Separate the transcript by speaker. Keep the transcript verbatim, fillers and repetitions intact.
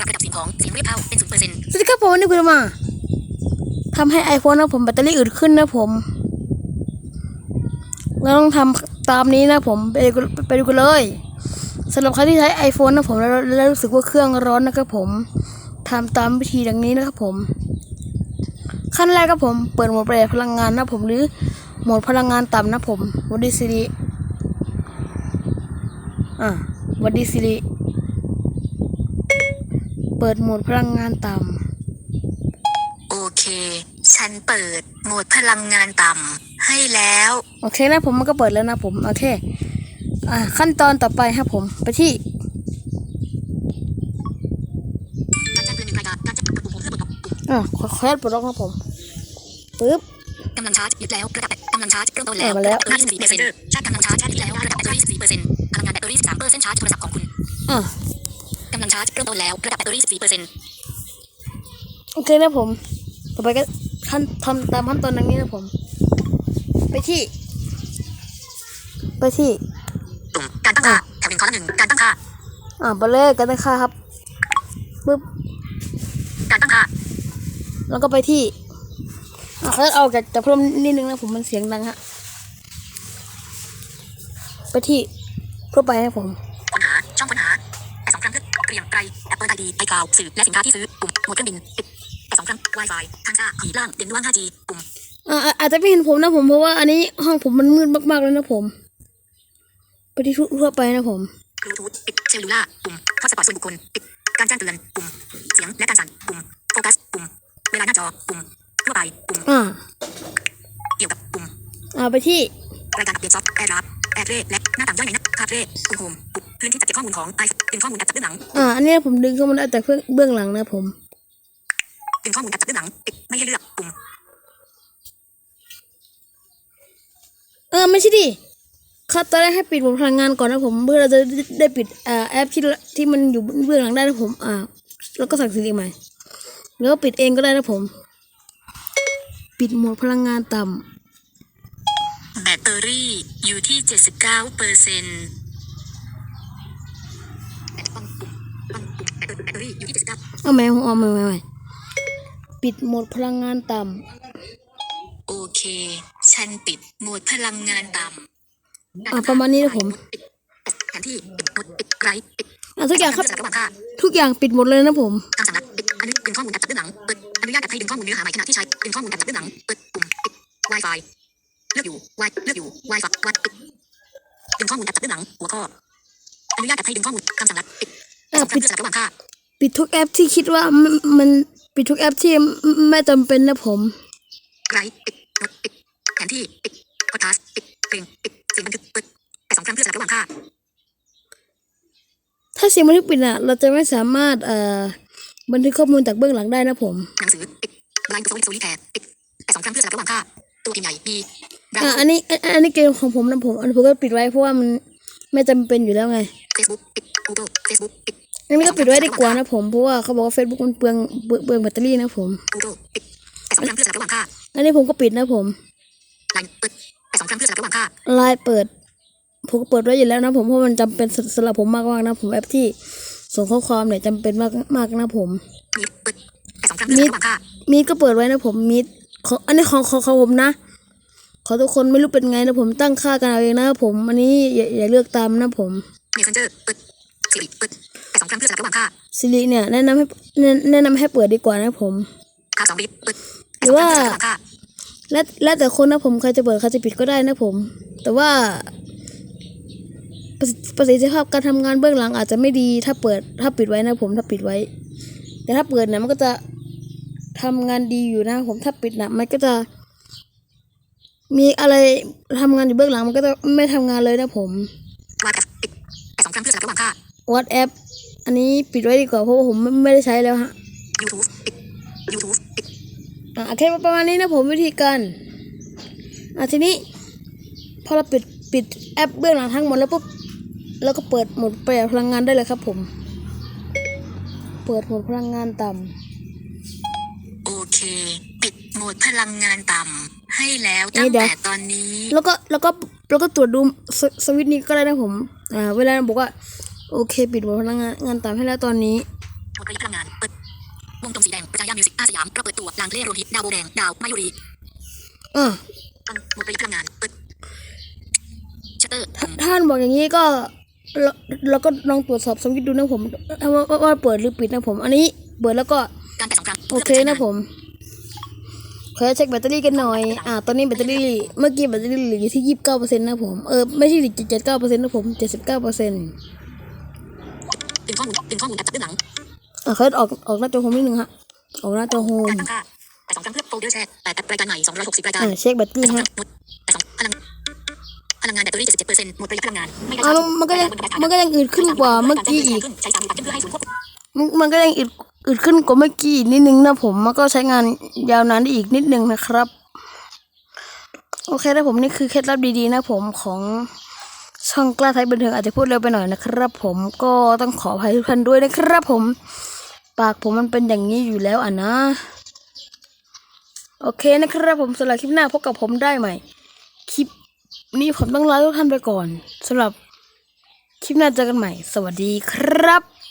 Speaker 1: ปรับระดับเสียงของเสียงเรียบเท่าเป็นศูนย์เปอร์เซ็นต์
Speaker 2: สวัสดีครับผมวันนี้คุณมาทำให้ iPhone นะผมแบตเตอรี่อึดขึ้นนะผมเราต้องทำตามนี้นะผมไปไปดูกันเลยสำหรับใครที่ใช้ iPhone นะผมแล้วแล้วรู้สึกว่าเครื่องร้อนนะครับผมทำตามวิธีดังนี้นะครับผมขั้นแรกครับผมเปิดโหมดประหยัดพลังงานนะผมหรือโหมดพลังงานต่ำนะผมวัดดีซิริอ่ะวัดดีซิริเปิดโหมดพลังงานต่ำ
Speaker 1: โอเคฉันเปิดโหมดพลังงานต่ำให้แล้ว
Speaker 2: โอเคนะผมมันก็เปิดแล้วนะผมโอเคอ่ะขั้นตอนต่อไปครับผมไปที่
Speaker 1: การแจ้งเตือนหนึ่งรายการการแจ้งปุ่มเพื่อปลดล็อกปุ่ม
Speaker 2: อ่ะขอแค่ปลดล็อกครับผมปึ๊บ
Speaker 1: กำลังชาร์จยึดแล้วระดับกำลังชาร์จเริ่มต้นแล้ว
Speaker 2: มาแล้ว
Speaker 1: แบตเตอรี่สิบสี่เปอร์เซ็นต์ชาร์จกำลังชาร์จยึดแล้วระดับแบตเตอรี่สิบสี่เปอร์เซ็นต์พลังงานแบตเตอรี่สิบสามเปอร์เซ็นต์ชาร์จโทรศัพท์ของคุณ
Speaker 2: อ่ะ
Speaker 1: กำลังชาร์จเริ่มต้นแล้วระดับแบตเตอรี่สิบสี่เปอร์เซ็นต์
Speaker 2: โอเคนะผมต่อไปก็ขั้นทำตามขั้นตอนดังนี้นะผมไปที่ไปที่
Speaker 1: ปุ่มการตั้งค่าแถวหนึ่งข้อละหนึ่งการตั้งค่า
Speaker 2: อ่าไปเลยกันตั้งค่าครับปึ๊บ
Speaker 1: การตั้งค่า
Speaker 2: แล้วก็ไปที่อ่ะเขาเอาจากจะเพิ่มนิดนึงนะผมมันเสียงดังฮะไปที่ทั่วไปนะผม
Speaker 1: ค้นหาช่องค้นหาแต่สองครั้งเพื่อเรียงไกล Apple ไอ ดี ไอคลาวด์สื่อและสินค้าที่ซื้อปุ่มโหมดเครื่องบินปิดแต่สองครั้ง Wi-Fi ทางซ้ายขีดล่างเด่นว่าง ห้าจี ปุ่ม
Speaker 2: อ่าอาจจะไม่เห็นผมนะผมเพราะว่าอันนี้ห้องผมมันมืดมากๆเลยนะผมไปที่ทั่วไปนะผม
Speaker 1: บลูทูธปิดเซลลูล่าปุ่มฮอตสปอตส่วนบุคคลปิดการแจ้งเตือนปุ่มเสียงและการสั่นปุ่มโฟกัสปุ่มเวลาหน้าจอปุ่มทั่วไปปุ่ม
Speaker 2: อ่า
Speaker 1: เกี่ยวกับปุ่ม
Speaker 2: อ่าไปที่
Speaker 1: รายการอัปเดตซอฟต์แวร์รับแอดเรและหน้าต่างย่อยในหน้าคาเฟ่ปุ่มโฮมปุ่มพื้นที่จัดเก็บข้อมูลของไอเป็นข้อมูลการจัดเบื้องหลัง
Speaker 2: อ่าอันนี้ผมดึงเข้ามาได้แต่เบื้องหลังนะผม
Speaker 1: ดึงข้อมูลการจัดเบื้องหลังปิดไม่ให้เลือกปุ่ม
Speaker 2: เออไม่ใช่ดิครับตอนแรกให้ปิดโหมดพลังงานก่อนนะผมเพื่อเราจะได้ปิดอ่าแอปที่ที่มันอยู่เบื้องหลังได้นะผมอ่าแล้วก็สั่งซื้อใหม่แล้วปิดเองก็ได้นะผมปิดโหมดพลังงานต่
Speaker 1: ำแบตเตอรี่อยู่ที่เจ็ดสิบเก้าเปอร์เซ็นต์แบตปุ่มปุ่มปุ่มแบตเตอรี่อยู่ที่เจ็ดสิบเก้า
Speaker 2: เอาใหม่เอาใหม่เอาใหม่ปิดโหมดพลังงานต่
Speaker 1: ำโอเคฉันปิดโหมดพลังงานต่ำ
Speaker 2: อ่าประมาณนี้นะผม
Speaker 1: แผนที่ปิดหมดปิดไกลปิด
Speaker 2: อ่าทุกอย่างครับทุกอย่างปิดหมดเลยนะผม
Speaker 1: คำสั่งลัดปิดอนุเป็นข้อมูลการจัดเบื้องหลังเปิดอนุญาตให้ดึงข้อมูลเนื้อหาใหม่ขณะที่ใช้ดึงข้อมูลการจัดเบื้องหลังเปิดปุ่มปิด Wi-Fi เลือกอยู่ Wi เลือกอยู่ Wi-Fi วัดปิดดึงข้อมูลการจัดเบื้องหลังหัวข้ออนุญาตให้ดึงข้อมูลคำสั่งลัดปิดสำคัญเพื่อสลับระหว่างค่า
Speaker 2: ปิดทุกแอปที่คิดว่ามันปิดทุกแอปที่ไม่จำเป็นนะผม
Speaker 1: ไกลปิดโน้ตปิดแผนที่ปิดพอดคาสต์ปิดเพลงปิดเสียงบันทึกเปิดแต่สองครั้งเพื่อสลับระหว่างค่า
Speaker 2: ถ้าเสียงบันทึกปิดอ่ะเราจะไม่สามารถเอ่อบันทึกข้อมูลจากเบื้องหลังได้นะผม
Speaker 1: หนังสือปิดไลน์โซลิโซลิแทนปิดแต่สองครั้งเพื่อสลับระหว่างค่าตัวพิมพ์ใหญ่บี
Speaker 2: อ่าอันนี้อันนี้เกมของผมนะผมอันนี้ผมก็ปิดไว้เพราะว่ามันไม่จำเป็นอยู่แล้วไง
Speaker 1: Facebook ปิด Google Facebook ปิด
Speaker 2: อันนี้ก็ปิดไว้ดีกว่านะผมเพราะว่าเขาบอกว่า Facebook มันเปลืองเปลืองแบตเตอรี่นะผม
Speaker 1: Google ปิดแต่สองครั้งเพื่อสลับระหว่างค่า
Speaker 2: อันนี้ผมก็ปิดนะผม
Speaker 1: ไลน์เปิดแต่สองครั้งเพื่อสลับระหว่างค่า
Speaker 2: ไลน์เปิดผมก็เปิดไว้อยู่แล้วนะผมเพราะมันจำเป็นสำหรับผมมากๆนะผมแอปที่ส่งข้อความเนี่ยจำเป็นมากมากนะผม
Speaker 1: มีเปิดแต่สองครั้งเพื่อสลับระหว่างค่า
Speaker 2: มีก็เปิดไว้นะผมมีของอันนี้ของของผมนะขอทุกคนไม่รู้เป็นไงนะผมตั้งค่ากันเอาเองนะผมอันนี้อย่าอย่าเลือกตามนะผม
Speaker 1: Messenger เปิด Siri เปิดแต่สองครั้งเพื่อสลับระหว่างค่า
Speaker 2: Siri เนี่ยแนะนำให้แนะนำให้เปิดดีกว่านะผม
Speaker 1: ค่าสองบิตเปิด
Speaker 2: หรือว่าแล้วแล้วแต่คนนะผมใครจะเปิดใครจะปิดก็ได้นะผมแต่ว่าประสิทธิภาพการทำงานเบื้องหลังอาจจะไม่ดีถ้าเปิดถ้าปิดไว้นะผมถ้าปิดไว้แต่ถ้าเปิดเนี่ยมันก็จะทำงานดีอยู่นะผมถ้าปิดนะมันก็จะมีอะไรทำงานอยู่เบื้องหลังมันก็จะไม่ทำงานเลยนะผม
Speaker 1: WhatsApp ปิดแต่สองครั้งเพื่อสลับระหว่างค่า
Speaker 2: WhatsApp อันนี้ปิดไว้ดีกว่าเพราะว่าผมไม่ได้ใช้แล้วฮะ
Speaker 1: YouTube ปิด YouTube ปิด
Speaker 2: อ่ะโอเคประมาณนี้นะผมวิธีการอ่ะทีนี้พอเราปิดปิดแอปเบื้องหลังทั้งหมดแล้วปุ๊บแล้วก็เปิดโหมดประหยัดพลังงานได้เลยครับผมเปิดโหมดพลังงานต่
Speaker 1: ำโอเคปิดโหมดพลังงานต่ำให้แล้วตั้งแต่ตอนนี้
Speaker 2: แล้วก็แล้วก็แล้วก็ตรวจดูสวิตช์นี้ก็ได้นะผมอ่าเวลาบอกว่าโอเคปิดโหมดพลังงานต่ำให้แล้วตอนนี้
Speaker 1: ดประหยัดพลังงานเปิดวงกลมสีแดงประกายามิวสิกอาสยามเราเปิดตัวลางเล่โรฮิตดาวโบแดงดาวมายุรี
Speaker 2: อ่ะ
Speaker 1: ตั้งโหมดประหยัดพลังงานเปิดชัตเตอร์ปุ่ม
Speaker 2: ท่านบอกอย่างนี้ก็เราเราก็ลองตรวจสอบสวิตช์ดูนะผมว่าว่าว่าเปิดหรือปิดนะผม อันนี้เปิดแล้วก็
Speaker 1: การแตะสองครั้ง
Speaker 2: โอเคนะผมขอเช็คแบตเตอรี่กันหน่อย อ่า ตอนนี้แบตเตอรี่ เมื่อกี้แบตเตอรี่เหลืออยู่ที่ยี่สิบเก้าเปอร์เซ็นต์นะผม เออ ไม่ใช่เจ็ดสิบเก้าเปอร์เซ็นต์นะผม เจ็ดสิบเก้าเปอร์เซ็นต์
Speaker 1: ดึงข้อมูลดึงข้อมูลแอปจับเบื้องหลัง
Speaker 2: อ่ะเขาออกออกหน้าจอโฮมนิดนึงฮะ ออกหน้าจอโฮม
Speaker 1: การตั้งค่าแต่สองครั้งเพื่อโฟลเดอร์แชทแต่รายการใหม่สองร้อยหกสิบรายการ
Speaker 2: อ่าเช็คแบตเตอรี่ฮะ
Speaker 1: แต่สองพลังพลังงานแบตเตอรี่เจ็ดสิบเจ็ดเปอร์เซ็นต์หมดประหยัดพลังงานไม่ได้
Speaker 2: อ่ามันก็ยังมันก็ยังอืดขึ้นกว่าเมื่อกี้อีก
Speaker 1: ใช้สามตัดขึ้นเพื่อให้ศูนย์ควบคุม
Speaker 2: มันมันก็ยังอึดอึดขึ้นกว่าเมื่อกี้อีกนิดนึงนะผม มันก็ใช้งานยาวนานได้อีกนิดนึงนะครับ โอเคนะผมนี่คือเคล็ดลับดีๆนะผมของช่องกล้าไทยบันเทิงอาจจะพูดเร็วไปหน่อยนะครับ ผมก็ต้องขออภัยทุกท่านด้วยนะครับผม ปากผมมันเป็นอย่างนี้อยู่แล้วอ่ะนะ โอเคนะครับผมสำหรับคลิปหน้าพบกับผมได้ใหม่ คลิปนี้ผมต้องลาทุกท่านไปก่อนสำหรับคลิปหน้าเจอกันใหม่ สวัสดีครับ